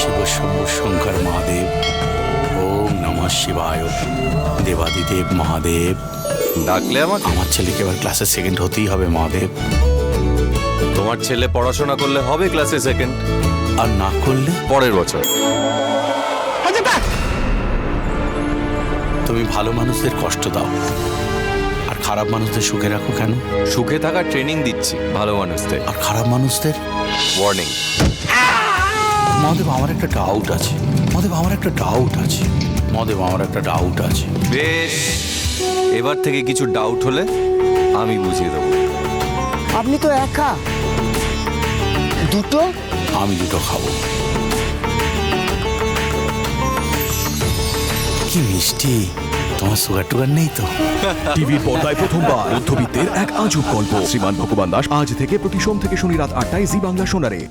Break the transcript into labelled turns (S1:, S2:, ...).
S1: শিব শম্ভু শঙ্কর মহাদেব, ওম নমঃ শিবায়, দেবাদিদেব মহাদেব।
S2: ডাকলে আমাকে?
S1: আমার ছেলেকে এবার ক্লাসে সেকেন্ড হতেই হবে মহাদেব।
S2: তোমার ছেলে পড়াশোনা করলে হবে ক্লাসে সেকেন্ড,
S1: আর না করলে
S2: পরের বছর।
S1: তুমি ভালো মানুষদের কষ্ট দাও আর খারাপ মানুষদের সুখে রাখো কেন?
S2: সুখে থাকার ট্রেনিং দিচ্ছি ভালো মানুষদের।
S1: আর খারাপ মানুষদের
S2: ওয়ার্নিং।
S1: মহাদেব আমার একটা ডাউট আছে, মহাদেব আমার একটা ডাউট আছে, মহাদেব আমার একটা ডাউট আছে।
S2: বেশ, এবার থেকে কিছু ডাউট হলে আমি বুঝিয়ে দেবো।
S3: আপনি তো একা, দুটো
S1: আমি দুটো খাবো। কি মিষ্টি, তোমার সুগার টুগার নেই তো?
S4: টিভির পর্দায় প্রথমবার মধ্যবিত্তের এক আজব গল্প। শ্রীমান ভগবান দাস আজ থেকে প্রতি সোম থেকে শনি রাত ৮টায় জি বাংলা সোনারে।